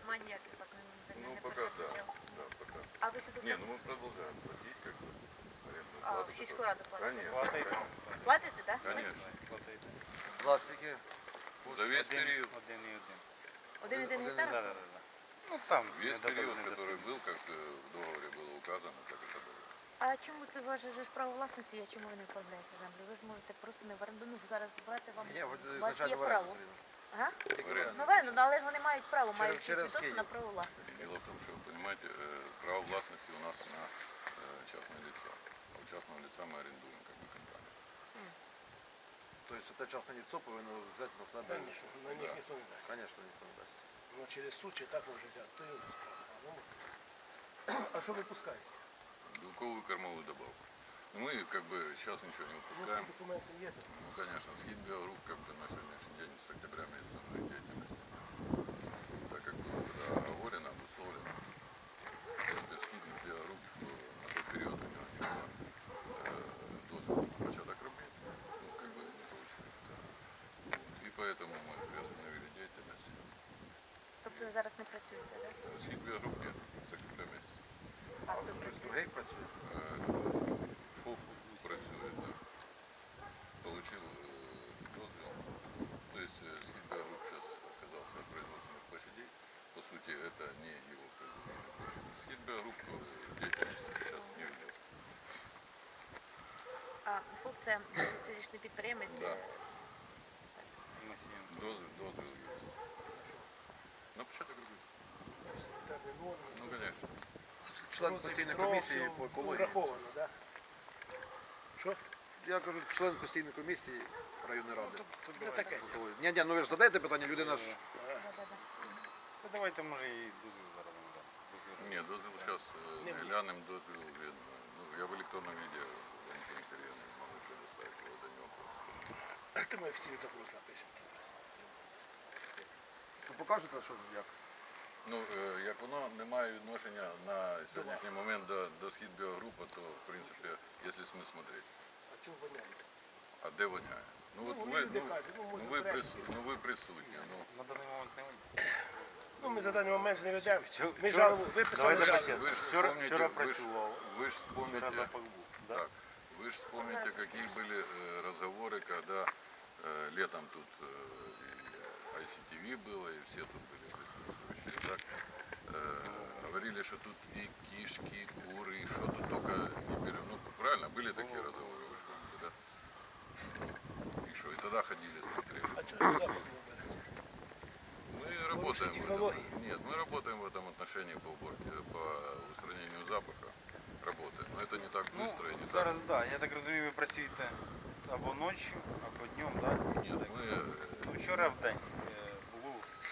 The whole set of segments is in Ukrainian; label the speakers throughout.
Speaker 1: Нема ніяких вас
Speaker 2: Ну,
Speaker 1: не
Speaker 2: пока да.
Speaker 1: предупредил.
Speaker 2: Да, пока.
Speaker 1: А ви себе
Speaker 2: Не, ну мы продолжаем платить как бы арендную
Speaker 1: А,
Speaker 2: плату.
Speaker 1: в сільську раду платите?
Speaker 2: Конечно.
Speaker 1: Платите, так?
Speaker 2: Конечно.
Speaker 3: За скільки?
Speaker 2: За весь период.
Speaker 1: 1,1 гектар?
Speaker 3: Да. Ну там.
Speaker 2: Весь период, который был, как в договоре было указано, так это было.
Speaker 1: А чому це ваше ж право власності, а чому ви не оформляєте землю? Ви ж можете просто не в оренду, ну зараз брати вам,
Speaker 3: Ні,
Speaker 1: у вас є
Speaker 3: ізначально в
Speaker 1: право.
Speaker 3: оренду.
Speaker 1: Ага?
Speaker 2: В оренду.
Speaker 1: Ну, в оренду, ну, але ж вони мають право, мають
Speaker 3: через
Speaker 1: свідоцтво
Speaker 3: Київ.
Speaker 1: на право власності.
Speaker 2: Дело в том, что, вы понимаете, право властности у нас на частное лицо. А у частного лица мы арендуем как бы компанию.
Speaker 3: Тобто це частне лицо повинно взяти на себе.
Speaker 4: Конечно, на них
Speaker 2: Да.
Speaker 4: ніхто не дасть.
Speaker 3: Звісно, ніхто не дасть.
Speaker 4: Ну через суд чи так може взяти, то інша справа. А що ви пускаєте?
Speaker 2: Белковую кормовую добавку. Но мы как бы сейчас ничего не
Speaker 4: Ну,
Speaker 2: выпускаем.
Speaker 4: всі документи є.
Speaker 2: Ну, конечно, Схит Биогрупп как бы на сегодняшний день с октября месяца мы деятельности. Так как было тогда оговорено, обусловлено. Схит Биогрупп на тот период у него не было дозвола на початок робіт. Ну, как бы не получили. Да. Вот. И поэтому мы приостановили деятельность.
Speaker 1: Тобто ви зараз не працюєте, так?
Speaker 2: Схит Биогрупп нет, с октября месяца.
Speaker 1: А хто
Speaker 3: Хтось
Speaker 1: працює?
Speaker 3: другий працює?
Speaker 2: ФОП працює, да. Получил дозвел. То есть Схит Биогрупп сейчас отказался от производственных площадей. По сути, это не его производственные площади. Схит Биогрупп деятельности сейчас не ведет.
Speaker 1: А ФОП це фізичний підприємець?
Speaker 2: Да.
Speaker 1: Так.
Speaker 2: Дозвел есть. На початок робіт.
Speaker 4: Санітарні норми.
Speaker 2: Ну, конечно.
Speaker 3: Член постійної комісії по екології.
Speaker 4: Враховано, так? Що?
Speaker 3: Я кажу, член постійної комісії районної ради.
Speaker 4: Це таке.
Speaker 3: Ні, ну ви ж задаєте питання, людина ж...
Speaker 1: Да-да-да.
Speaker 5: Ну давайте може і дозвіл зараз не дам.
Speaker 2: Нет, дозвел сейчас
Speaker 4: Не
Speaker 2: не
Speaker 4: будет.
Speaker 2: глянем, дозвел видно. Ну, я в электронном виде Валентину Сергеевну могу предоставить его, это не вопрос.
Speaker 4: То ми офіційний запрос напишемо.
Speaker 3: Ви покажете, що як?
Speaker 2: Ну, як воно не має відношення на сьогоднішній момент до Схит Біогруппа, то, в принципі, якщо ми смотреть.
Speaker 4: А чому воняє?
Speaker 2: А де воняє? Ну,
Speaker 4: Ну,
Speaker 2: от
Speaker 4: вони
Speaker 2: ви,
Speaker 4: люди кажуть, ну, може, брешуть.
Speaker 2: ви присутні. Ну,
Speaker 5: На даний момент не
Speaker 4: Ну, ми за даний момент не ведемо. Ми
Speaker 5: Вчора-
Speaker 4: жалобу виписали
Speaker 5: давайте
Speaker 4: жалобу.
Speaker 2: ви ж
Speaker 5: Вчора
Speaker 2: вспомните,
Speaker 5: працював.
Speaker 2: вы ж вспомните,
Speaker 5: Вчора запах був. Да?
Speaker 2: так, вы же вспомните, какие были разговоры, когда летом тут и ICTV было, и все тут были присутствующие, так? Говорили, что тут и кишки, и куры, и что тут только не берем. Ну, правильно, были такие разговоры, вы же помните, да? И что, и тогда ходили, смотрели.
Speaker 4: А чого запах не бере?
Speaker 2: Мы работаем в
Speaker 4: технологии?
Speaker 2: этом. Нет, мы работаем в этом отношении по уборке, по устранению запаха. Работаем. Но это не так
Speaker 5: Ну,
Speaker 2: быстро и не
Speaker 5: зараз,
Speaker 2: так.
Speaker 5: да, я так розумію, ви працюєте або ночі, або днем, да?
Speaker 2: Нет, мы...
Speaker 5: Ну, вчора в день було,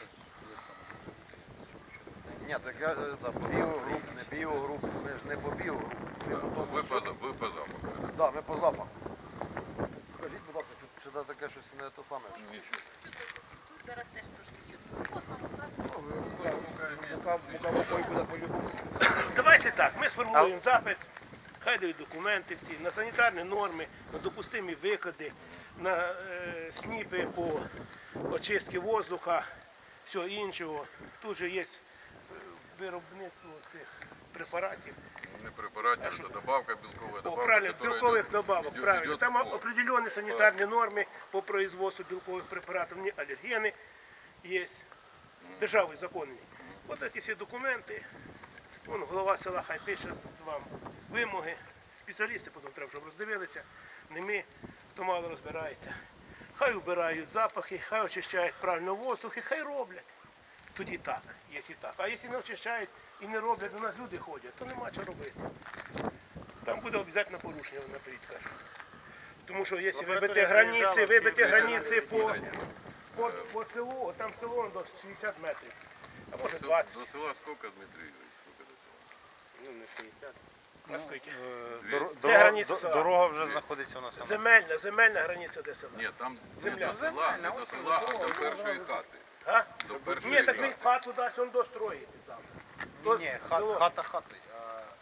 Speaker 3: Ні, так я за біогруп, не біогруп, ми ж не по біогруп. Ми по тому,
Speaker 2: Вы по запаху. это.
Speaker 3: Да, ми по запаху. Скажіть, будь ласка, чи це таке щось не те саме?
Speaker 2: Ничего.
Speaker 1: Тут зараз теж трошки чути. Косна мука.
Speaker 3: Мука мукою буде по-любому.
Speaker 4: Давайте так, ми сформуємо запит, хай дають документи всі, на санітарні норми, на допустимі викиди, на сніпи по очистці воздуха, всього іншого. Тут же є виробництво цих препаратів.
Speaker 2: Не препаратик, это добавка, белковая
Speaker 4: О,
Speaker 2: добавка.
Speaker 4: правильно,
Speaker 2: которая
Speaker 4: белковых
Speaker 2: идет-
Speaker 4: добавок,
Speaker 2: идет-
Speaker 4: правильно.
Speaker 2: идет
Speaker 4: Там
Speaker 2: в
Speaker 4: определенные санитарные нормы по производству белковых препаратов, не аллергены есть, державні законні. Ось ці всі документи, вон голова села хай пише вам вимоги, спеціалісти потім треба, щоб роздивилися, не ми, хто мало розбирається. Хай вбирають запахи, хай очищають правильно воздух і хай роблять. Тоді так, якщо так. А якщо не очищають і не роблять, до нас люди ходять, то нема чого робити. Там буде обов'язково порушення, наперед кажу. Тому що якщо вибити границі по селу, там село до 60 метрів, а може 20.
Speaker 2: До села сколько, Дмитрий Игоревич? Сколько до села?
Speaker 4: Ну не 60. А скільки?
Speaker 5: Дорога,
Speaker 4: границя села?
Speaker 5: дорога вже знаходиться у нас.
Speaker 4: Земельна границя де села.
Speaker 2: Нет, там
Speaker 4: Земля.
Speaker 2: не до села, не до села, а до першої хати.
Speaker 4: А?
Speaker 2: До першої
Speaker 4: Ні, так
Speaker 2: хати.
Speaker 4: він хату дасть, він достроїть завтра.
Speaker 5: Ні,
Speaker 4: Село.
Speaker 5: хата хати.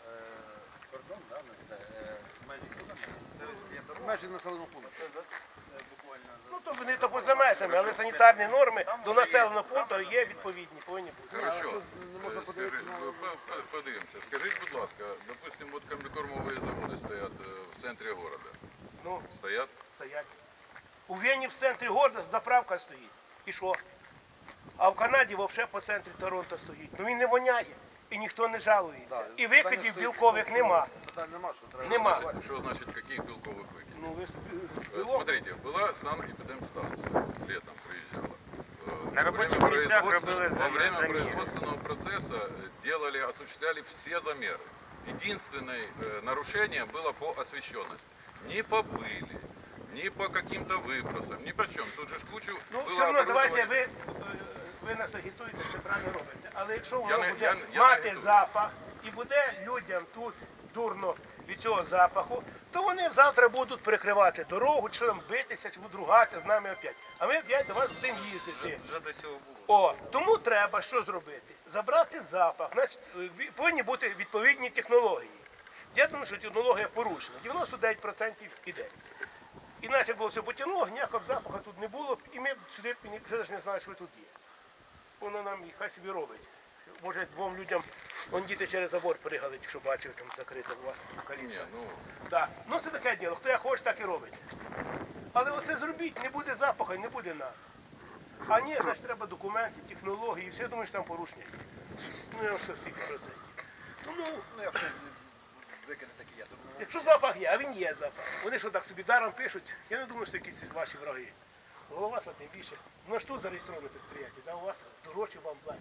Speaker 5: Кордон, да, межі куди?
Speaker 3: Межі населеного пункту.
Speaker 4: Ну, то вони то поза межами, але санітарні норми до населеного пункту є відповідні, повинні бути.
Speaker 2: Хорошо. Подивимося. Скажіть, будь ласка, допустим, от комбікормові заводи стоять в центрі города.
Speaker 4: Ну,
Speaker 2: Стоять?
Speaker 4: стоять. У Вені в центрі города заправка стоїть. І що? А в Канаді взагалі по центрі Торонто стоїть. Ну він не воняє. І ніхто не жалується. І викидів білкових нема.
Speaker 3: Питань нема, що треба.
Speaker 4: Нема.
Speaker 2: Что значит, каких белковых выкидов?
Speaker 4: Ну, ви
Speaker 2: Смотрите, была санэпидемстанция, летом приезжала.
Speaker 5: На рабочих місцях робили
Speaker 2: Во время
Speaker 5: заміри.
Speaker 2: производственного процесса осуществляли все замеры. Единственное нарушение было по освещенности. Не по пыли, не по каким-то выбросам, ни по чем. Тут же кучу
Speaker 4: Ну,
Speaker 2: было
Speaker 4: все одно, давайте
Speaker 2: оборудования.
Speaker 4: ви нас агітуєте, це правильно робите. Але якщо
Speaker 2: Я
Speaker 4: воно
Speaker 2: не-
Speaker 4: буде
Speaker 2: я не
Speaker 4: мати
Speaker 2: агітую.
Speaker 4: запах і буде людям тут дурно від цього запаху, то вони завтра будуть перекривати дорогу, чи там битися, чи будуть ругатися з нами опять. А ми опять до вас будемо їздити.
Speaker 5: Вже до цього було.
Speaker 4: О, тому треба що зробити? Забрати запах. Значить, повинні бути відповідні технології. Я думаю, що технологія порушена. 99% іде. Іначе було все потянуло, ніякого запаху тут не було б, і ми б сюди б вже навіть не знали, що ви тут є. Воно нам і хай собі робить. Може, двом людям, вон діти через забор пригали, якщо бачив, там закрито у вас калітка.
Speaker 2: Не, ну,
Speaker 4: Так, ну це таке діло, хто як хоче, так і робить. Але оце зробіть, не буде запаху, не буде нас. А ні, значить треба документи, технології, все, думаю, що там порушення є. Ну, я все всіх розумію. Ну,
Speaker 3: Ну, якщо викиди такі є, то ну,
Speaker 4: якщо запах є, а він є запах. Вони що так собі даром пишуть, я не думаю, що якісь ваші враги. Голова що тим більше. Ну ж тут зареєстроване підприємство, да, у вас дорожче вам платять.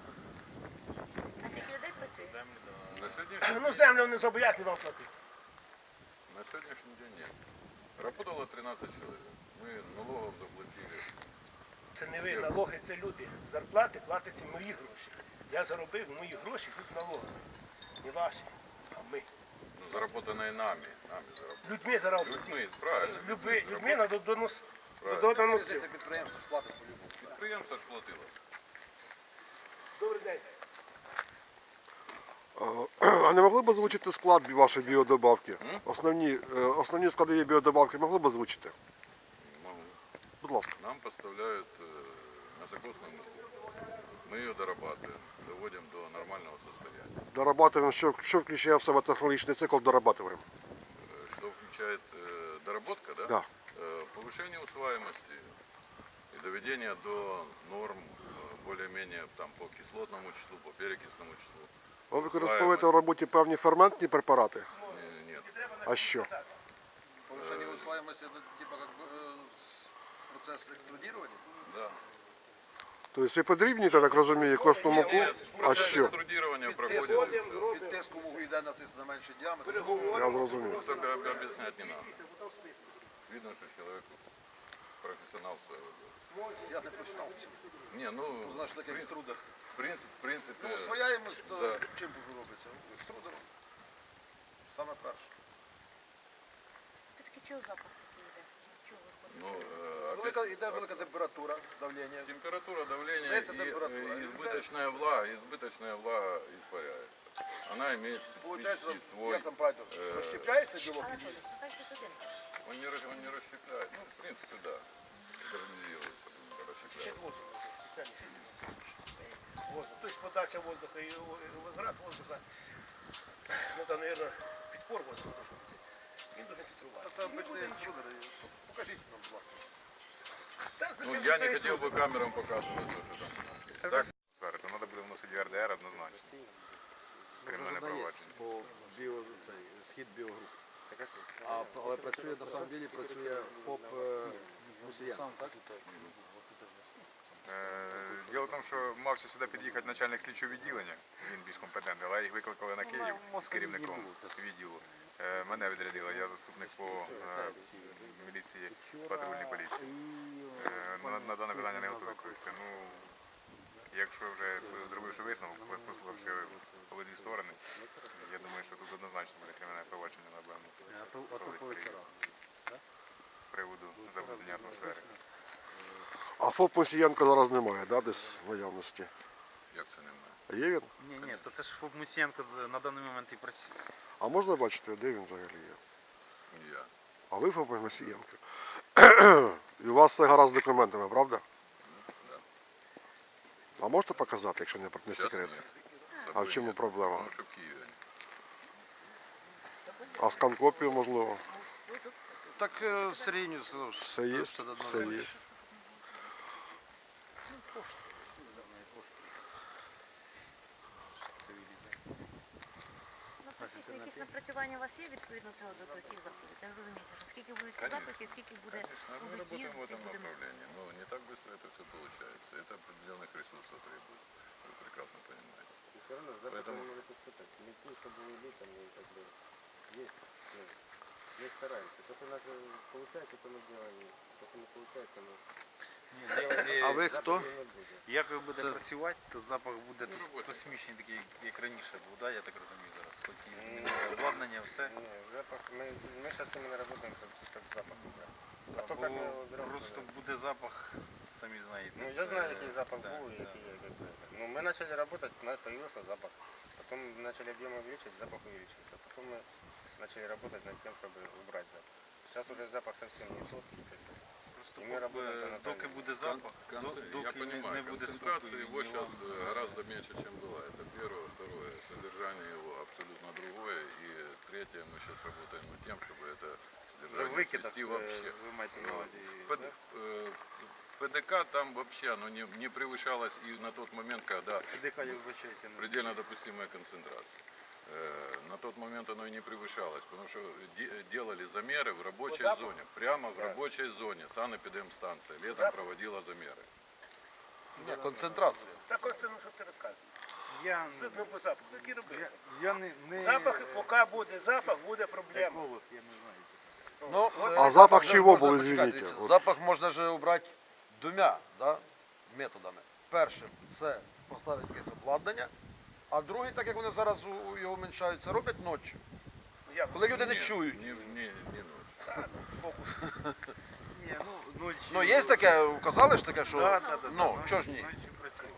Speaker 1: А скільки людей працює?
Speaker 2: на сегодняшний,
Speaker 4: Ну землю не зобов'язані вам платити.
Speaker 2: на сегодняшний день нет. Работало 13 человек. Мы налогов заплатили.
Speaker 4: Це не ви, налоги, це люди. Зарплати платяться мої гроші. Я заробив мої гроші, тут налоги. Не ваші, а ми.
Speaker 2: Ну, заработанные нами заработали.
Speaker 4: Людьми заробили.
Speaker 2: Людьми, правильно.
Speaker 4: Людьми на донос.
Speaker 2: Правильно.
Speaker 4: Додану
Speaker 3: це підприємство сплатить по-любому.
Speaker 2: Підприємство ж платило.
Speaker 4: Добрий день.
Speaker 6: А не могли б озвучити склад вашої біодобавки?
Speaker 2: М?
Speaker 6: Основні складові біодобавки могли б озвучити?
Speaker 2: Могу.
Speaker 6: Будь ласка.
Speaker 2: Нам поставляют на закусную муку. Мы ее дорабатываем, доводим до нормального состояния.
Speaker 6: Дорабатуємо, що включає в себе технологічний цикл, дорабатуємо.
Speaker 2: Что включает доработка, да?
Speaker 6: Да.
Speaker 2: Повышение усваиваемости и доведение до норм более-менее там по кислотному числу, по перекисному числу.
Speaker 6: Ви використовуєте в роботі певні ферментні препарати?
Speaker 2: Нет.
Speaker 6: А що?
Speaker 3: Повишення усвоємості, типу, як процес екструдування?
Speaker 2: Да.
Speaker 6: Тобто ви подрібнюєте, я так розумію, кожну муку?
Speaker 2: Нет,
Speaker 6: А
Speaker 2: процесс
Speaker 6: що?
Speaker 2: экструдирования проходит.
Speaker 4: Підходимо,
Speaker 2: и всё.
Speaker 4: робимо.
Speaker 3: Під тиском вугу йде на менший діаметр.
Speaker 4: Переговоримо.
Speaker 6: Я зрозумів.
Speaker 2: Просто объяснять не надо. Видно, что человек профессионал своего дела.
Speaker 3: Я не професіонал.
Speaker 2: Не, ну,
Speaker 3: Знаєш, таке
Speaker 2: в
Speaker 3: екструдер.
Speaker 2: принципе,
Speaker 3: Ну, усвояємось, то
Speaker 2: да.
Speaker 3: чим робиться? Екструдером. Саме перше.
Speaker 1: Це таки чого запах такий йде? Чого виходить?
Speaker 2: ну,
Speaker 3: Велика,
Speaker 2: опять-
Speaker 3: йде велика температура, давлення.
Speaker 2: температура, давление
Speaker 3: Снится
Speaker 2: и
Speaker 3: температура.
Speaker 2: избыточная влага испаряется. Она имеет
Speaker 3: Получається,
Speaker 2: специфический свой.
Speaker 3: як там правильно, розщепляється білок?
Speaker 1: Анатолій, так тут один.
Speaker 2: Он не расщепляет. Ну, в принципе, да. Гармонизируется, расщепляет.
Speaker 4: Ще воздух спеціальний. Воздух. Тобто подача воздуха і возврат воздуха. Ну там, мабуть, підпор воздуха должен бути. Він дуже
Speaker 3: Та
Speaker 4: фільтрувати.
Speaker 3: це обичний екструдер. Покажіть нам, будь ласка.
Speaker 2: Ну, я не хотел бы камерам показывать, то, что там. Так,
Speaker 5: То треба буде вносити в РДР однозначно. Кримінальне провадження.
Speaker 3: По схід біогруп. Але працює, на самом деле, працює ФОП Мусіян, так?
Speaker 5: Діло в тому, що мався сюди під'їхати начальник слідчого відділення, він більш компетентний, але їх викликали на Київ з керівником відділу. Мене відрядили, я заступник по міліції патрульній поліції. На дане питання не готовий відповісти. Ну, якщо вже зробивши висновок, послухавши обидві сторони, я думаю, що тут однозначно буде кримінальне провадження на БМС. З приводу забруднення атмосфери.
Speaker 6: А ФОП Мусієнко зараз немає, да, десь в наявності?
Speaker 2: як це немає.
Speaker 6: А є він?
Speaker 5: Ні, то це ж ФОП Мусієнко на даний момент і працює.
Speaker 6: А можна бачити, де він взагалі є?
Speaker 2: Я.
Speaker 6: А ви ФОП Мосієнко. І у вас все гаразд з документами, правда?
Speaker 2: Да.
Speaker 6: А можете показати, якщо не
Speaker 2: Сейчас
Speaker 6: секрет?
Speaker 2: нет. С
Speaker 6: А
Speaker 2: собой
Speaker 6: в чому
Speaker 2: нет,
Speaker 6: проблема?
Speaker 2: Потому что в Киеве.
Speaker 6: А скан-копію, можливо?
Speaker 3: Так серійні сказав.
Speaker 6: Все є, все є.
Speaker 1: Ну, практично якісь напрацювання у вас є відповідно до цих заходів? Я розумієте, що скільки будуть ці
Speaker 2: Конечно.
Speaker 1: запахи, скільки буде,
Speaker 2: Конечно, мы
Speaker 1: будуть
Speaker 2: работаем в
Speaker 1: їздити,
Speaker 2: этом
Speaker 1: будемо...
Speaker 2: направлении, но не так быстро это все получается. Это определенных ресурсов требует. Вы прекрасно понимаете.
Speaker 7: Все равно запах
Speaker 2: Поэтому-
Speaker 7: не может испытать. Мети, чтобы уйти, там, ну, как бы, есть, ну, мы стараемся. То, что у нас получается, то мы делаем. То, что не получается, мы
Speaker 3: А ви хто?
Speaker 7: не будем.
Speaker 5: Як ви будете
Speaker 3: Це-
Speaker 5: працювати, то запах буде
Speaker 2: робота.
Speaker 5: космічний, такий, як раніше був, да? Я так розумію зараз. Хоч і змінили обладнання, все.
Speaker 7: Не, запах, мы сейчас именно работаем, чтобы запах убрать. А то,
Speaker 5: Бо
Speaker 7: как мы его берем,
Speaker 5: просто
Speaker 7: то-
Speaker 5: буде запах, самі знаєте.
Speaker 7: Ну, я знаю,
Speaker 5: це-
Speaker 7: какой запах
Speaker 5: да,
Speaker 7: был и
Speaker 5: да.
Speaker 7: какие как бы, это. Ну, мы начали работать, появился запах. Потом начали объем увеличить, запах увеличился. Потом мы начали работать над тем, чтобы убрать запах. Сейчас уже запах совсем не тот. И как бы,
Speaker 5: Просто
Speaker 7: І ми работаємо
Speaker 5: доки
Speaker 7: анатомією.
Speaker 5: буде запах,
Speaker 2: Я
Speaker 5: доки
Speaker 2: понимаю,
Speaker 5: не буде
Speaker 2: концентрация
Speaker 5: спокою,
Speaker 2: его
Speaker 5: ні
Speaker 2: сейчас
Speaker 5: вам.
Speaker 2: гораздо меньше, чем была. Это первое. Второе, содержание его абсолютно другое. И третье, мы сейчас работаем над тем, чтобы это
Speaker 5: Вже
Speaker 2: содержание
Speaker 5: викидах
Speaker 2: свести вообще.
Speaker 5: ви маєте на увазі.
Speaker 2: Под-
Speaker 5: да?
Speaker 2: ПДК там вообще оно не превышалось и на тот момент, когда
Speaker 5: ПДК, я вибачаюся.
Speaker 2: предельно допустимая концентрация. На тот момент оно и не превышалось, потому что делали замеры в рабочей
Speaker 4: запаху?
Speaker 2: зоне, прямо в
Speaker 7: Да.
Speaker 2: рабочей зоне, санэпидемстанция летом проводила замеры.
Speaker 3: Ні, концентрація.
Speaker 4: Так от це, ну що ти розказуєш?
Speaker 5: Я,
Speaker 4: Видно по запаху, так і робити.
Speaker 5: я не
Speaker 4: Запах, поки буде запах, буде проблема.
Speaker 5: еколог, я не знаю.
Speaker 3: Ну,
Speaker 6: А запах
Speaker 3: же
Speaker 6: чего
Speaker 3: можна,
Speaker 6: был,
Speaker 3: почекайте,
Speaker 6: извините?
Speaker 3: дивіться,
Speaker 6: Вот.
Speaker 3: Запах можна же убрати двома, да, методами. Першим це поставити якесь обладнання, а другий, так як вони зараз його уменьшають, це роблять ночі.
Speaker 4: Як?
Speaker 3: Коли люди не
Speaker 2: Нет,
Speaker 3: чують.
Speaker 2: Не ночь.
Speaker 4: Фокус.
Speaker 5: Ні, ну,
Speaker 3: Ну є таке, казали ж таке, що
Speaker 5: Да, да, да,
Speaker 3: ну,
Speaker 5: да,
Speaker 3: чого ж ні?
Speaker 5: ночі працюю.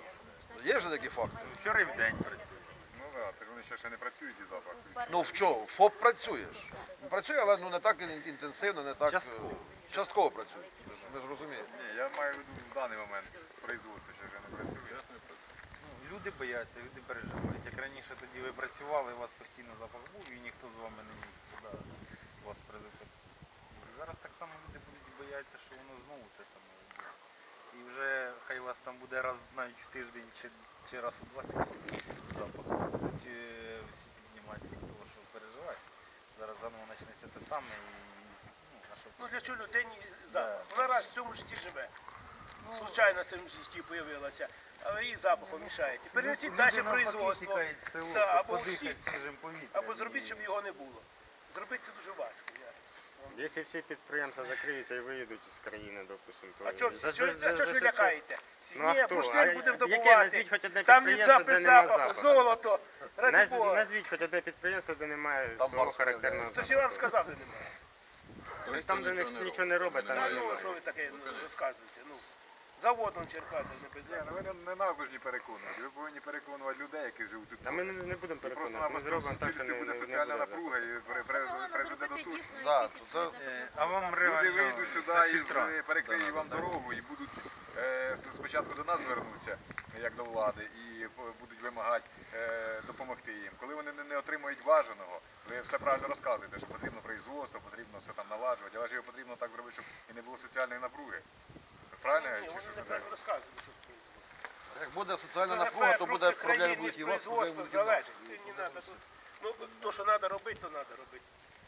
Speaker 3: Є ж такі факти.
Speaker 5: Вчора і в день працюю. Ну так, це ж вони ще не працюють і запах.
Speaker 3: Ну в чому? ФОП працює ж. Працює, але ну не так інтенсивно, не так
Speaker 5: Частково.
Speaker 3: частково працює. Ми ж розуміємо.
Speaker 5: Ні, я маю в виду в даний момент производство ще вже не працює.
Speaker 2: Ясный процесс.
Speaker 5: Ну, люди бояться, люди переживають. Як раніше тоді ви працювали, у вас постійно запах був і ніхто з вами не міг туди вас призвити. Зараз так само люди будуть боятися, що воно знову те саме буде. І вже хай вас там буде раз навіть в тиждень чи раз у 2 тижні запах. Будуть всі підніматися з того, що переживають. Зараз заново почнеться те саме і ну, а що
Speaker 4: Ну для чого людині запах?
Speaker 5: Да.
Speaker 4: Вона раз в цьому житті живе. Случайно в цьому житті з'явилася, а їй запахом мішаєте. Перенесіть далі производство. Да, або
Speaker 5: подихати
Speaker 4: всі-
Speaker 5: свіжим повітрям.
Speaker 4: Або зробіть, щоб його не було. Зробити це дуже важко.
Speaker 7: Якщо всі підприємства закриються і виїдуть з країни, допустимо, то...
Speaker 4: А чого
Speaker 7: за-
Speaker 4: ж
Speaker 7: за-
Speaker 4: ви
Speaker 7: за-
Speaker 4: лякаєте?
Speaker 7: Ну, а
Speaker 4: Ні,
Speaker 7: хто?
Speaker 4: бурштин
Speaker 7: А
Speaker 4: будемо
Speaker 7: яке?
Speaker 4: добувати.
Speaker 7: Назвіть хоч одне
Speaker 4: Там від
Speaker 7: підприємство, де нема
Speaker 4: запаху,
Speaker 7: запаху.
Speaker 4: золото. Ради Бога.
Speaker 7: Назвіть хоч одне підприємство, де немає
Speaker 3: Там
Speaker 7: свого
Speaker 3: морське,
Speaker 7: характерного
Speaker 4: Це ж я вам
Speaker 7: запаху.
Speaker 4: сказав, де немає.
Speaker 7: Ну, там, де нічого не робить, там
Speaker 4: Та
Speaker 7: не
Speaker 4: ну,
Speaker 7: немає.
Speaker 4: що ви таке розказуєте? Ну, заводом Черкаси не без
Speaker 5: Ні, ну ви не нас повинні переконувати. Ви повинні переконувати людей, які живуть тут.
Speaker 7: Та ми не будемо
Speaker 5: І просто
Speaker 7: переконувати, ми
Speaker 5: напросто в
Speaker 7: зробимо так, що
Speaker 5: суспільстві
Speaker 7: не
Speaker 5: буде
Speaker 7: буде
Speaker 5: соціальна
Speaker 7: запаху.
Speaker 5: напруга і призведе до того.
Speaker 3: Да, то це-
Speaker 5: А вам люди вийдуть сюди і перекриють вам дорогу і будуть спочатку до нас звернуться, як до влади, і будуть вимагати допомогти їм. Коли вони не отримують бажаного, ви все правильно розказуєте, що потрібно производство, потрібно все там наладжувати, але ж його потрібно так зробити, щоб і не було соціальної напруги. Правильно я
Speaker 4: Ні,
Speaker 5: чи
Speaker 4: вони
Speaker 5: що
Speaker 4: неправильно розказують, що це производство.
Speaker 3: Як буде соціальна
Speaker 4: Ну,
Speaker 3: напруга, то
Speaker 4: ефект
Speaker 3: буде
Speaker 4: крупних
Speaker 3: проблеми
Speaker 4: країн
Speaker 3: будуть і
Speaker 4: від
Speaker 3: у вас, проблеми
Speaker 4: производства
Speaker 3: будуть і у нас.
Speaker 4: залежить. Не надо тут. Ну, то, що треба робити, то треба робити.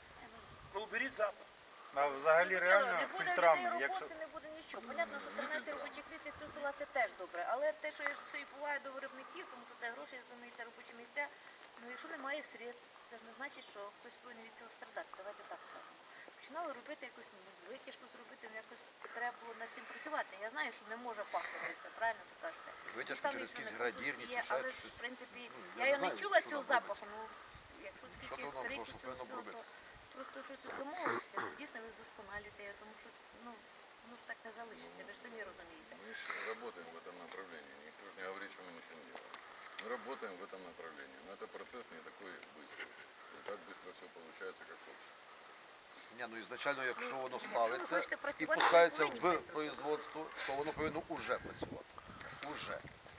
Speaker 4: Ну, уберіть запах.
Speaker 5: А взагалі реально
Speaker 1: не буде
Speaker 5: фільтрами,
Speaker 1: людей
Speaker 5: якщо...
Speaker 1: роботи, не буде нічого. Понятно, що 13 робочих місць як до села це теж добре, але те, що це і буває до виробників, тому що це гроші, розуміється, робочі місця, ну якщо немає средств, це ж не значить, що хтось повинен від цього страдати, давайте так скажемо. Починали робити якусь витяжку зробити, ну якось треба було над цим працювати. Я знаю, що не може пахнути все, правильно ви кажете.
Speaker 3: Витяжку
Speaker 1: Саме
Speaker 3: через
Speaker 1: що
Speaker 3: якісь
Speaker 1: не
Speaker 3: градірні,
Speaker 1: є,
Speaker 3: чи ще
Speaker 1: але ж,
Speaker 3: щось.
Speaker 1: в принципі,
Speaker 3: Ну,
Speaker 1: я його не
Speaker 3: знаю,
Speaker 1: чула
Speaker 3: що
Speaker 1: цього
Speaker 3: там
Speaker 1: запаху, ну, якщо
Speaker 3: Що
Speaker 1: скільки
Speaker 3: то воно
Speaker 1: рік
Speaker 3: просто
Speaker 1: цього
Speaker 3: повинно
Speaker 1: всього,
Speaker 3: робити?
Speaker 1: то просто щось домовитися, дійсно ви вдосконалюєте, тому що, ну, воно ж так не залишиться, ви ж самі розумієте.
Speaker 2: Мы же работаем в этом направлении. Никто же не говорит, что мы ничего не делаем. Мы работаем в этом направлении. Но это процесс не такой быстрый. Не так быстро все получается, как хочется.
Speaker 3: Ні, ну ізначально, якщо воно
Speaker 1: Якщо ви
Speaker 3: ставиться
Speaker 1: хочете
Speaker 3: і
Speaker 1: працювати,
Speaker 3: пускається
Speaker 1: ви повинні
Speaker 3: в
Speaker 1: вести
Speaker 3: производство, то воно повинно уже працювати. Уже.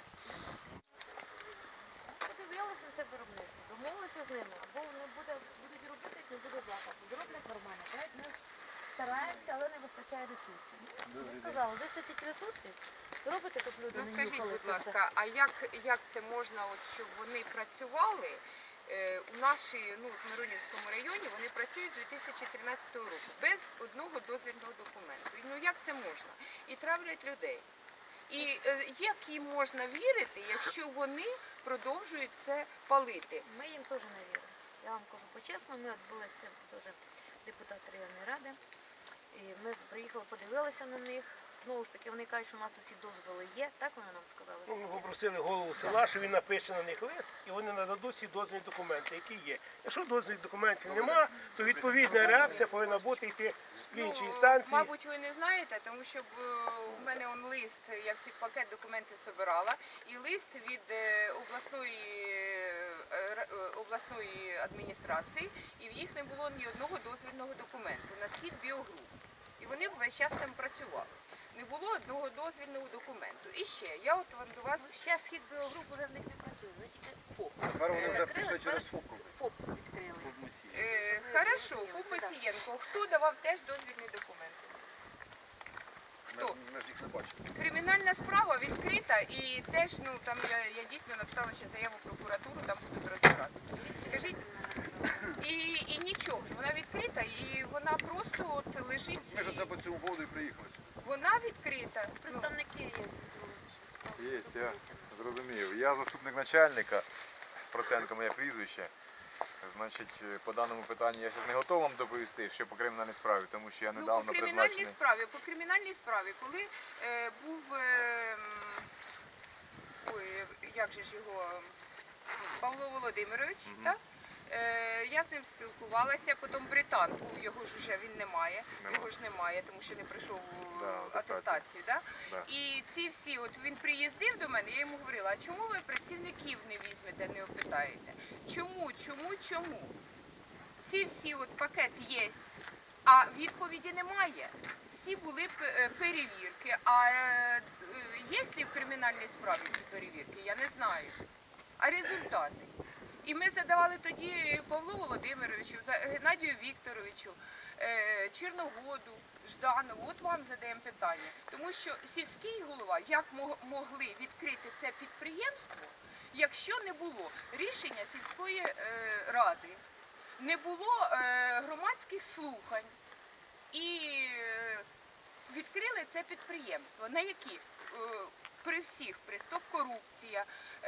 Speaker 1: Подивилися на це виробництво, домовилися з ними, або вони будуть робити, як не буде запаху. Зроблять нормально, так? Ми стараємося, але не вистачає ресурсів. Ми сказали, вистачить ресурсів, зробите тут люди
Speaker 8: Ну
Speaker 1: не
Speaker 8: скажіть,
Speaker 1: нюхали
Speaker 8: будь
Speaker 1: це все.
Speaker 8: ласка, а як це можна, от, щоб вони працювали? У нашій, в Миронівському районі вони працюють з 2013 року, без одного дозвільного документу. Ну як це можна? І травлять людей. І як їм можна вірити, якщо вони продовжують це палити?
Speaker 1: Ми їм теж не віримо. Я вам кажу по-чесному, ми от були це теж депутат районної ради, і ми приїхали, подивилися на них. Знову ж таки, вони кажуть, що у нас усі дозволи є, так вони нам сказали?
Speaker 4: Ну, ми попросили голову села, що він напише на них лист, і вони нададуть всі дозвільні документи, які є. Якщо дозвільних документів нема, то відповідна реакція повинна бути йти в інші інстанції.
Speaker 8: Мабуть, ви не знаєте, тому що у мене он лист, я всі пакет документів збирала, і лист від обласної адміністрації, і в їх не було ні одного дозвільного документу на схід біогруп. І вони весь час там працювали. Не було одного дозвільного документу. І ще, я от до вас...
Speaker 1: Ще схід біогруп вже в них не працює, вже тільки ФОП.
Speaker 3: Тепер вони вже
Speaker 1: Закрили,
Speaker 3: пішли через
Speaker 1: тепер
Speaker 3: ФОП.
Speaker 1: ФОП відкрили.
Speaker 8: Хорошо, Фу Мосієнко, хто давав теж дозвільні документи? Хто?
Speaker 3: Ми ж їх не бачимо.
Speaker 8: Кримінальна справа відкрита і теж, там я дійсно написала ще заяву в прокуратуру, там будуть розбиратися. Скажіть, і нічого, вона відкрита і вона просто от лежить.
Speaker 3: Ми ж це по цьому поводу і приїхали.
Speaker 8: Вона відкрита.
Speaker 1: Представники є.
Speaker 5: Є, я зрозумів. Я заступник начальника, Проценко моє прізвище. Значить, по даному питанню я зараз не готовий вам доповісти, що по кримінальній справі, тому що я недавно призначений.
Speaker 8: По кримінальній справі, коли був, як же ж його, Павло Володимирович, так? Я з ним спілкувалася, потім Британ був, його ж вже він немає, його ж немає, тому що не прийшов атестацію, да?
Speaker 5: Да.
Speaker 8: І ці всі, от він приїздив до мене, я йому говорила, а чому ви працівників не візьмете, не опитаєте? Чому? Ці всі от пакет є, а відповіді немає. Всі були перевірки, а є ли в кримінальній справі ці перевірки, я не знаю. А результати? І ми задавали тоді Павлу Володимировичу, Геннадію Вікторовичу, Черногоду, Жданову, от вам задаємо питання. Тому що сільський голова, як могли відкрити це підприємство, якщо не було рішення сільської ради, не було громадських слухань і відкрили це підприємство, на які при всіх, при стоп-корупція,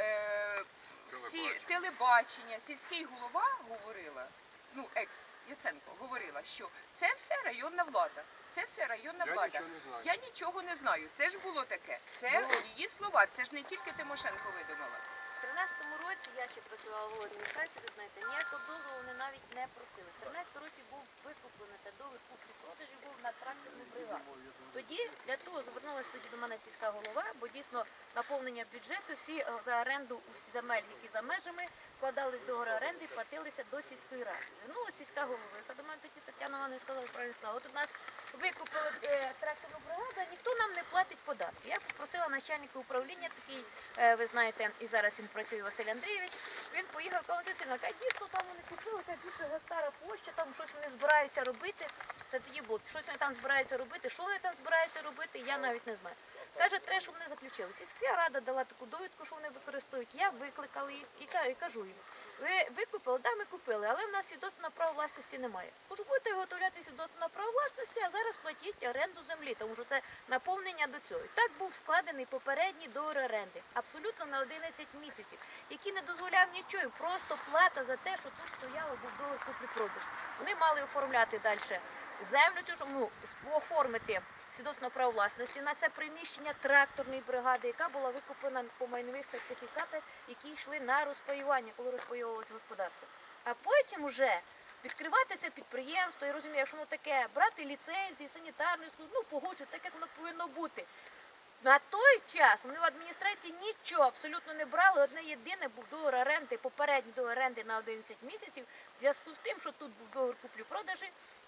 Speaker 8: телебачення, сільський голова говорила, екс-Яценко говорила, що це все районна влада. Це все районна влада. Я нічого не знаю. Це ж було таке. Це її слова. Це ж не тільки Тимошенко видумала.
Speaker 1: В 13-му році я ще працювала в адміністрації, ви знаєте, ніякого дозволу вони навіть не просили. В 13-му році був викуплений та договір куплі-продажі був на тракторну бригаду. Тоді для того звернулася до мене сільська голова, бо дійсно наповнення бюджету, всі за оренду усі земель, які за межами, вкладались до договори оренди і платилися до сільської ради. Звернулася сільська голова, до мене тоді Тетяна Івановна сказала, правильно сказала, от у нас викупили тракторну бригаду, а ніхто нам не платить податки. Я попросила начальника управління, такий, ви знаєте, і зараз він працює Василь Андрійович, він поїхав, каже, дійсно там вони купили, більше гектара площа, там щось вони збираються робити. Це тоді було, щось вони там збираються робити, що вони там збираються робити, я навіть не знаю. Каже, треба, щоб вони заключили. Сільська рада дала таку довідку, що вони використовують. Я викликала їх і кажу їм, ви купили? Да, ми купили, але в нас свідоцтва на право власності немає. Кажу, будете виготовляти свідоцтво на право власності, а зараз платіть оренду землі, тому що це наповнення до цього. І так був складений попередній договір оренди, абсолютно на 11 місяців, який не дозволяв нічого, просто плата за те, що тут стояло, був договір куплі-продаж. Вони мали оформляти далі землю, щоб оформити свідоцтво на право власності на це приміщення тракторної бригади, яка була викуплена по майнових сертифікатах, які йшли на розпаювання, коли розпаювалося господарство. А потім уже відкривати це підприємство, я розумію, якщо воно таке, брати ліцензії, санітарну службу, погоджувати так, як воно повинно бути. На той час вони в адміністрації нічого абсолютно не брали, одне єдине був договір оренди, попередній договір оренди на 11 місяців, в зв'язку з тим, що тут був договір куплі-продажі,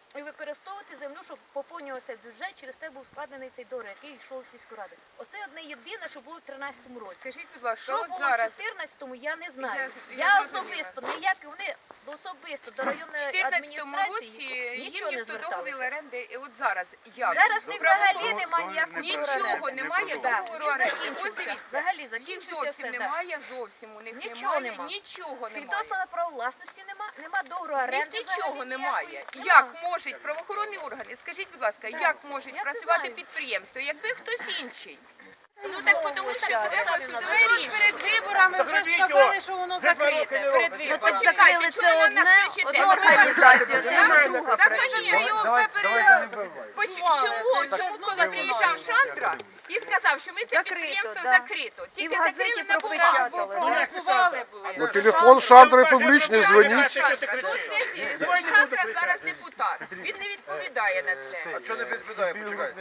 Speaker 1: і використовувати землю, щоб поповнювався бюджет, через те був складений цей договір, який йшов в сільську раду. Оце одне єдине, що було в 13-му році.
Speaker 8: Скажіть, будь ласка,
Speaker 1: Що
Speaker 8: от
Speaker 1: було
Speaker 8: зараз
Speaker 1: в 14-му, я не знаю.
Speaker 8: Я
Speaker 1: Я
Speaker 8: зрозуміла.
Speaker 1: особисто, ніякі вони особисто до
Speaker 8: в
Speaker 1: районної
Speaker 8: 14-му році
Speaker 1: адміністрації
Speaker 8: їм
Speaker 1: нічого не
Speaker 8: ніхто договір
Speaker 1: зверталися.
Speaker 8: оренди, і от зараз як?
Speaker 1: Зараз в них взагалі немає ніякого
Speaker 8: Нічого немає договору оренди. Ось
Speaker 1: закінчився.
Speaker 8: дивіться,
Speaker 1: Взагалі
Speaker 8: їх
Speaker 1: закінчився
Speaker 8: зовсім
Speaker 1: все. Да.
Speaker 8: немає, зовсім у них
Speaker 1: Нічого
Speaker 8: немає,
Speaker 1: нема.
Speaker 8: нічого немає.
Speaker 1: Свідоцтва на право власності нема договору
Speaker 8: У них
Speaker 1: оренди.
Speaker 8: нічого
Speaker 1: взагалі
Speaker 8: немає.
Speaker 1: ніякої.
Speaker 8: Як можуть правоохоронні органи, скажіть, будь ласка,
Speaker 1: Да.
Speaker 8: як можуть
Speaker 1: Я це
Speaker 8: працювати
Speaker 1: знаю.
Speaker 8: підприємство, якби хтось інший? Ну так тому що треба
Speaker 1: Перед
Speaker 8: судове рішення.
Speaker 9: виборами вже ж сказали, що воно закрите. Перед
Speaker 8: Ну
Speaker 9: виборами.
Speaker 8: почекайте, чого ви на нас кричите?
Speaker 1: одну організацію, це
Speaker 8: Так,
Speaker 1: друга
Speaker 8: так,
Speaker 1: працює.
Speaker 8: конечно. Чому, коли приїжджав Шандра і сказав, що ми це
Speaker 1: Закрито,
Speaker 8: підприємство
Speaker 1: да.
Speaker 8: закрито,
Speaker 1: І
Speaker 8: тільки
Speaker 1: в газеті
Speaker 8: закрили на
Speaker 1: пропечатали.
Speaker 8: бумагу.
Speaker 1: Да.
Speaker 9: Голосували були.
Speaker 6: Ну, телефон Шандри публічний, дзвоніть.
Speaker 8: Шандра зараз депутат, він не відповідає на це.
Speaker 3: А чого не відповідає? Почекайте.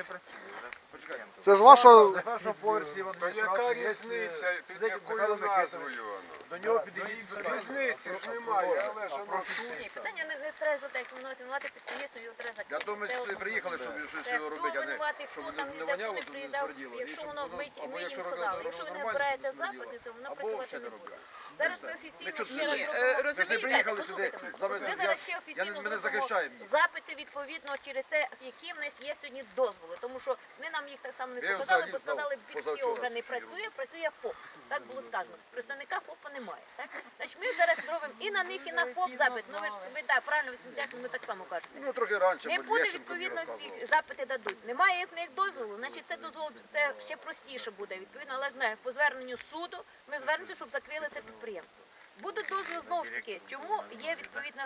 Speaker 6: Це ж ваша...
Speaker 3: На першому поверсі в
Speaker 2: Та яка
Speaker 3: адміністрації є
Speaker 2: різниця, під
Speaker 3: сидить
Speaker 2: якою
Speaker 3: Михайло Микитович.
Speaker 2: назвою воно?
Speaker 3: До нього підійдіть.
Speaker 2: Різниці ж немає, але ж воно
Speaker 1: Ні, питання не треба за те, як винувати підприємство, його треба закрити.
Speaker 3: Я думаю,
Speaker 1: Це
Speaker 3: що
Speaker 1: одно.
Speaker 3: приїхали, щоб щось
Speaker 1: Це
Speaker 3: його
Speaker 1: хто
Speaker 3: робити, а не
Speaker 1: винуватий,
Speaker 3: щоб
Speaker 1: хто
Speaker 3: не
Speaker 1: там ніде
Speaker 3: воняло,
Speaker 1: не
Speaker 3: щоб не
Speaker 1: приїдав,
Speaker 3: смерділо.
Speaker 1: якщо
Speaker 3: І
Speaker 1: воно
Speaker 3: щоб
Speaker 1: ми
Speaker 3: або
Speaker 1: їм
Speaker 3: якщо
Speaker 1: сказали,
Speaker 3: робити
Speaker 1: якщо ви не
Speaker 3: нормально,
Speaker 1: збираєте
Speaker 3: щоб не
Speaker 1: запити, то воно
Speaker 3: або
Speaker 1: працювати
Speaker 3: ще
Speaker 1: не
Speaker 3: не
Speaker 1: буде.
Speaker 3: робити.
Speaker 1: Зараз ми
Speaker 3: Ми
Speaker 1: офіційно
Speaker 3: чого
Speaker 1: ще раз
Speaker 8: Ні,
Speaker 1: робимо.
Speaker 3: Ми ж не
Speaker 8: розумієте,
Speaker 3: приїхали сюди.
Speaker 1: Ми зараз ще
Speaker 3: Ми
Speaker 1: офіційно
Speaker 3: не
Speaker 1: зробимо
Speaker 3: захищаємо їх.
Speaker 1: запити відповідно через те, які в нас є сьогодні дозволи. Тому що вони нам їх так само не
Speaker 3: Я їм
Speaker 1: показали,
Speaker 3: взагалі
Speaker 1: бо сказали,
Speaker 3: знав,
Speaker 1: від
Speaker 3: позавчора
Speaker 1: вже не
Speaker 3: сидів.
Speaker 1: працює, працює ФОП. Так було сказано. Представника ФОПа немає. Так? Значить, ми зараз зробимо і на них, і на ФОП запит. Ну ви ж ви так, правильно, ви сміттяки, ми так само кажете.
Speaker 3: Ну, трохи раніше,
Speaker 1: Не
Speaker 3: бо
Speaker 1: буде
Speaker 3: Лещенко мені
Speaker 1: відповідно
Speaker 3: розказував.
Speaker 1: всі запити дадуть. Немає в них дозволу, значить це дозвол це ще простіше буде. Відповідно, але ж не по зверненню суду ми звернемося, щоб закрили це підприємство. Будуть дозволи знову ж таки. Чому є відповідно,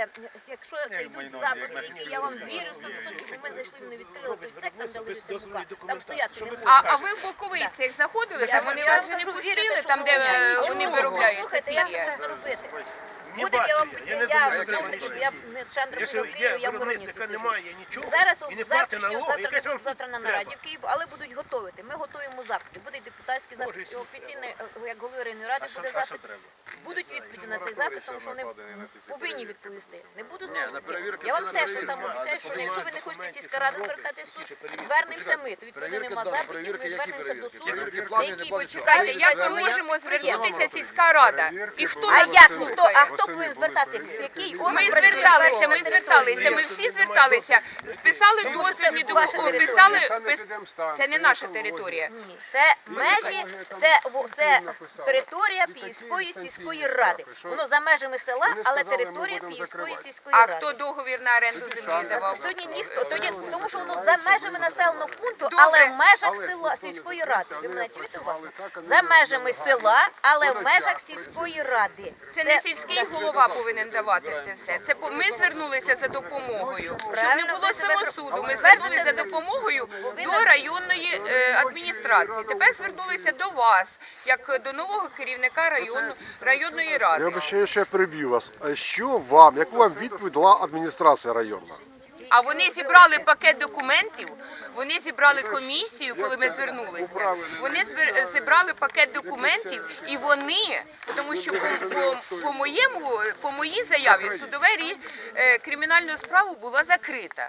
Speaker 1: якщо це йдуть запити, які я вам вірю 100%, бо ми зайшли, не відкрили той цех, там де лежить ця мука, там стояти не можна.
Speaker 8: А ви в Боковицях заходили, там вони
Speaker 1: Я
Speaker 8: вас
Speaker 1: вам
Speaker 8: вже не
Speaker 1: кажу,
Speaker 8: пустили,
Speaker 1: вірите,
Speaker 8: там де
Speaker 1: що
Speaker 8: вони
Speaker 1: воно-
Speaker 8: виробляють
Speaker 1: Слухайте, я
Speaker 8: пір'я.
Speaker 1: можу зробити.
Speaker 4: Не
Speaker 1: Буде, я вам
Speaker 4: бачу я. Я не
Speaker 1: я
Speaker 4: думаю, що
Speaker 1: знову
Speaker 4: треба
Speaker 1: ж таки,
Speaker 4: нічого.
Speaker 1: я не з Шандром
Speaker 4: Якщо
Speaker 1: в Києві,
Speaker 4: є
Speaker 1: я в Воронівці
Speaker 4: виробництва
Speaker 1: сиджу.
Speaker 4: немає нічого,
Speaker 1: Зараз
Speaker 4: і не
Speaker 1: завтра,
Speaker 4: платить налоги, яке ж вам
Speaker 1: завтра на
Speaker 4: треба?
Speaker 1: нараді в Києві, але будуть готувати. Ми готуємо запити. Буде депутатський запит,
Speaker 4: Боже,
Speaker 1: і офіційний, як голови районної ради, буде запит. Будуть відповіді на цей запит, тому що вони повинні відповісти. Не буду
Speaker 3: Ні,
Speaker 1: знову ж
Speaker 3: на
Speaker 1: таки.
Speaker 3: перевірки
Speaker 1: Я вам
Speaker 3: це на
Speaker 1: теж
Speaker 3: перевірки.
Speaker 1: саме обіцяю, що якщо ви не хочете сільська рада звертати в суд, звернемося ми. То відповідно
Speaker 3: Перевірки,
Speaker 1: нема
Speaker 3: да,
Speaker 1: запитів,
Speaker 3: перевірки,
Speaker 1: ми
Speaker 3: які
Speaker 1: звернемося до
Speaker 3: перевірки?
Speaker 1: суду.
Speaker 3: Перевірки
Speaker 1: на
Speaker 3: платні,
Speaker 1: якій
Speaker 3: не платні.
Speaker 8: Чекайте, як ми
Speaker 3: Звернення
Speaker 8: можемо
Speaker 1: підприємства.
Speaker 8: звернутися сільська рада? І хто
Speaker 1: А
Speaker 8: нас
Speaker 1: як
Speaker 8: слухає?
Speaker 1: хто повинен звертатися? Який орган
Speaker 8: Ми
Speaker 1: працює
Speaker 8: зверталися,
Speaker 1: на
Speaker 8: ми
Speaker 1: вашій
Speaker 8: зверталися,
Speaker 1: території?
Speaker 8: ми всі зверталися, списали дозвільні документи, писали, це не наша територія.
Speaker 1: Ні, це межі, це територія Піївської сільської ради. Воно за межами села, але територія Піївської сільської
Speaker 8: А
Speaker 1: ради.
Speaker 8: хто договір на оренду землі давав?
Speaker 1: Сьогодні ніхто, тому що воно за межами населеного пункту, але в межах села сільської ради. Ви мене чуєте уважно? За межами села, але в межах сільської ради.
Speaker 8: Це не сільський голова повинен давати це все. Це ми звернулися за допомогою. Щоб не
Speaker 1: Правильно,
Speaker 8: було
Speaker 1: ви себе
Speaker 8: самосуду. Ми
Speaker 1: звернулися
Speaker 8: звернулися за допомогою до районної адміністрації. Тепер звернулися до вас, як до нового керівника районної
Speaker 6: Я
Speaker 8: ради.
Speaker 6: обіцяю, що я переб'ю вас. А що вам, яку вам відповідь дала адміністрація районна?
Speaker 8: А вони зібрали пакет документів, вони зібрали комісію, коли ми звернулися. Вони зібрали пакет документів, і вони, тому що по моїй заяві кримінальну справу була закрита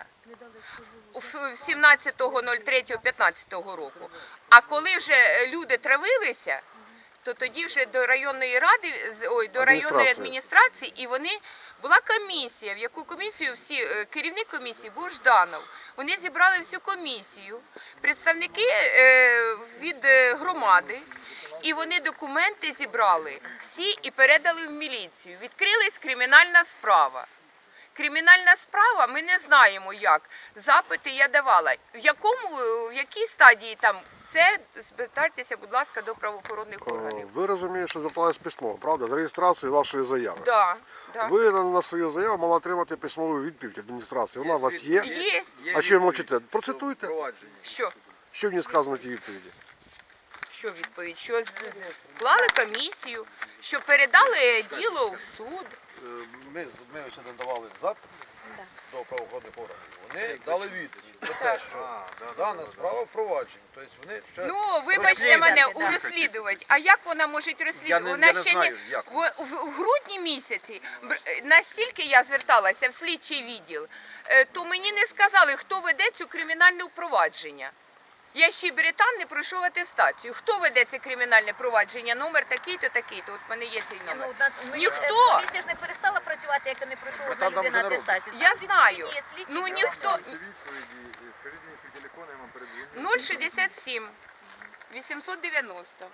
Speaker 8: 17.03.15 року. А коли вже люди травилися, то тоді вже до районної ради, до районної адміністрації, і вони була комісія, в яку комісію керівник комісії був Жданов. Вони зібрали всю комісію, представники від громади, і вони документи зібрали всі і передали в міліцію. Відкрилась кримінальна справа. Кримінальна справа, ми не знаємо як. Запити я давала. В якій стадії там? Це звертайтеся, будь ласка, до правоохоронних органів.
Speaker 6: Ви розумієте, що звертались письмо, правда? З реєстрацією вашої заяви.
Speaker 8: Да.
Speaker 6: Ви на свою заяву мали отримати письмову відповідь адміністрації. Вона у вас є?
Speaker 8: Є.
Speaker 6: А що ви мовчите? Процитуйте.
Speaker 8: Що?
Speaker 6: Що в ній сказано в тій відповіді?
Speaker 8: Що відповідь? Що склали комісію, що передали діло в суд.
Speaker 3: Ми ось надавали запит,
Speaker 1: Да.
Speaker 3: до правоохоронних органів. Вони дали відповідь про те,
Speaker 8: Так.
Speaker 3: що дана справа впроваджена. Тобто вони ще
Speaker 8: Ну, вибачте
Speaker 3: розслідують.
Speaker 8: мене,
Speaker 1: Да.
Speaker 8: розслідувати. А як вона може розслідувати?
Speaker 3: Я не
Speaker 8: Вона ще
Speaker 3: знаю, як.
Speaker 8: в грудні місяці, настільки я зверталася в слідчий відділ, то мені не сказали, хто веде цю кримінальне провадження. Я ще британ не пройшов атестацію. Хто веде це кримінальне провадження? Номер такий-то, такий-то. От в мене є цей номер. Ніхто.
Speaker 1: Поліція ж не перестала працювати, як не пройшов одна
Speaker 3: там
Speaker 1: людина
Speaker 3: вже не
Speaker 1: атестацію.
Speaker 8: Я
Speaker 1: Там
Speaker 8: знаю.
Speaker 1: є слідчі,
Speaker 8: Ну
Speaker 1: які
Speaker 8: ніхто.
Speaker 1: роблять.
Speaker 5: Скажіть мені свій телефон, я вам передзвоню.
Speaker 8: 067 890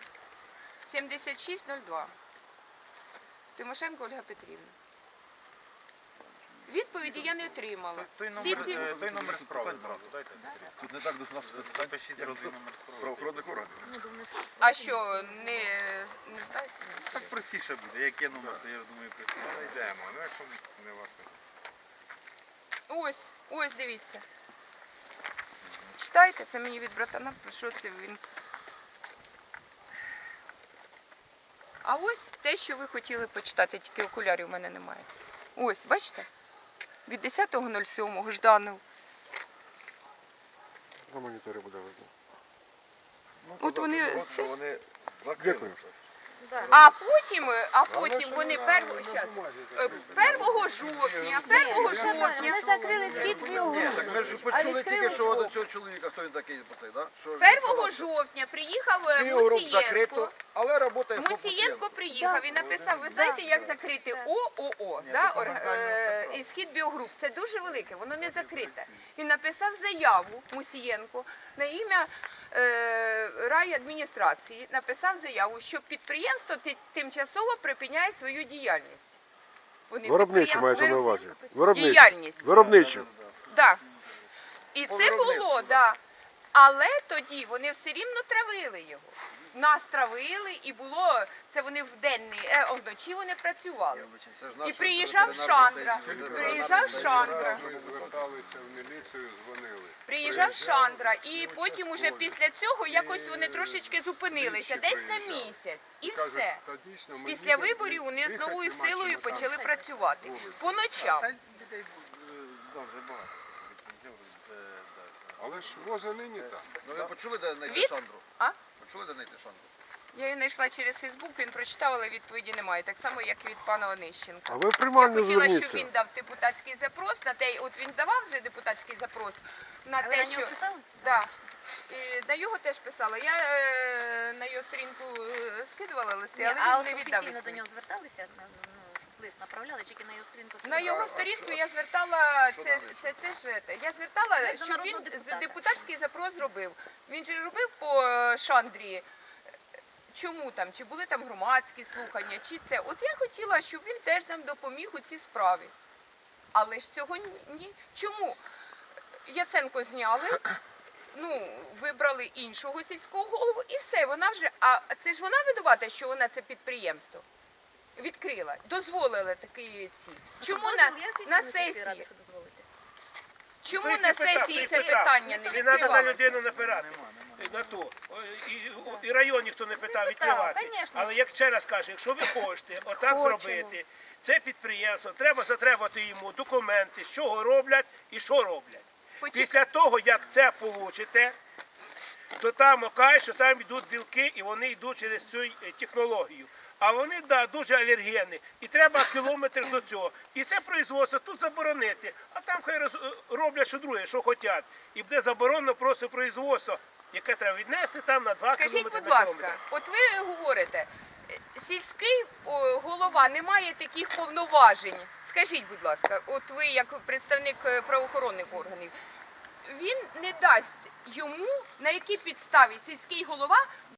Speaker 8: 7602. Тимошенко Ольга Петрівна. Відповіді я не отримала.
Speaker 5: Той
Speaker 8: Всі ці-
Speaker 5: номер справи зразу дайте.
Speaker 2: Тут не так до нас
Speaker 5: Запишіть зразу номер справи.
Speaker 2: правоохоронних органів.
Speaker 8: А що, не знаєте?
Speaker 5: Так простіше буде, як є номер, то я думаю, простіше. Знайдемо, ну якщо не ваше.
Speaker 8: Ось, дивіться. Читайте, це мені від братана прийшов, це він. А ось те, що ви хотіли почитати, тільки окулярів у мене немає. Ось, бачите? Від 10.07 Жданов.
Speaker 6: На моніторі буде видно.
Speaker 8: От вони
Speaker 2: Що вони
Speaker 6: Дякую.
Speaker 8: А потім вони 1 жовтня, 1 жовтня.
Speaker 1: Вони закрили схід біогруп.
Speaker 3: Так ми ж почули тільки, що до цього чоловіка, хто він такий, да? Що
Speaker 8: 1 жовтня приїхав
Speaker 3: Біогруп
Speaker 8: Мусієнко.
Speaker 3: закрито, але працює
Speaker 8: Мусієнко приїхав і написав, ви знаєте, як закрити ООО, да, і схід біогруп. Це дуже велике, воно не закрите. Він написав заяву, Мусієнко, на ім'я райадміністрації, написав заяву, що підприємство тимчасово припиняє свою діяльність. Вони
Speaker 6: Виробничу мається на увазі. Виробничу.
Speaker 8: Діяльність.
Speaker 6: Виробничу.
Speaker 8: Так. І це було, так. Але тоді вони все рівно травили його. Нас травили, і було, це вони вдень, вночі вони працювали. І приїжджав Шандра,
Speaker 2: Ми зверталися в міліцію, дзвонили.
Speaker 8: приїжджав Шандра, і потім уже після цього якось вони трошечки зупинилися, десь на місяць, і все. Після виборів вони з новою силою почали працювати. По ночам.
Speaker 2: Але ж воза нині там.
Speaker 3: Ну ви почули, де знайти
Speaker 8: Від-
Speaker 3: Шандру?
Speaker 8: А?
Speaker 3: Почули, де знайти Шандру?
Speaker 8: Я її знайшла через Фейсбук, він прочитав, але відповіді немає. Так само, як і від пана Онищенка.
Speaker 6: А ви в
Speaker 8: Я
Speaker 6: приймальню
Speaker 8: хотіла, щоб
Speaker 6: зверніться.
Speaker 8: він дав депутатський запрос на те, от він давав вже депутатський запрос на
Speaker 1: А ви
Speaker 8: те,
Speaker 1: на нього
Speaker 8: що
Speaker 1: писали?
Speaker 8: да. І на його теж писала. Я на його сторінку скидувала листи,
Speaker 1: Ні,
Speaker 8: але
Speaker 1: а
Speaker 8: він не віддав.
Speaker 1: офіційно до
Speaker 8: відповідь.
Speaker 1: нього зверталися, щоб лист направляли, чи тільки на його сторінку?
Speaker 8: На його сторінку я звертала,
Speaker 3: що
Speaker 8: це ж те. Я звертала,
Speaker 1: Як до
Speaker 8: щоб
Speaker 1: народного
Speaker 8: він
Speaker 1: депутата.
Speaker 8: депутатський запрос зробив. Він же робив по Шандрі. Чому там, чи були там громадські слухання, чи це. От я хотіла, щоб він теж нам допоміг у цій справі. Але ж цього ні. Чому? Яценко зняли, вибрали іншого сільського голову і все, вона вже, а це ж вона винувата, що вона це підприємство відкрила, дозволила такі ці. Чому на сесії? Чому на сесії це питання не
Speaker 4: Не треба на
Speaker 8: відкривалося?
Speaker 4: людину напирати. На то. І район ніхто не питав відкривати.
Speaker 1: конечно.
Speaker 4: Але як ще раз кажу, якщо ви хочете отак
Speaker 1: Хочемо.
Speaker 4: зробити, це підприємство, треба затребувати йому документи, з чого роблять і що роблять. Після того, як це получите, то там окаже, що там йдуть білки і вони йдуть через цю технологію. А вони, дуже алергенні. І треба кілометр до цього. І це производство тут заборонити. А там хай роблять що друге, що хочуть. І буде заборонено просто производство, яке треба віднести там на 2
Speaker 8: Скажіть,
Speaker 4: кілометри
Speaker 8: будь
Speaker 4: на
Speaker 8: ласка,
Speaker 4: кілометр.
Speaker 8: от ви говорите, сільський голова не має таких повноважень. Скажіть, будь ласка, от ви як представник правоохоронних органів, він не дасть йому, на якій підставі сільський голова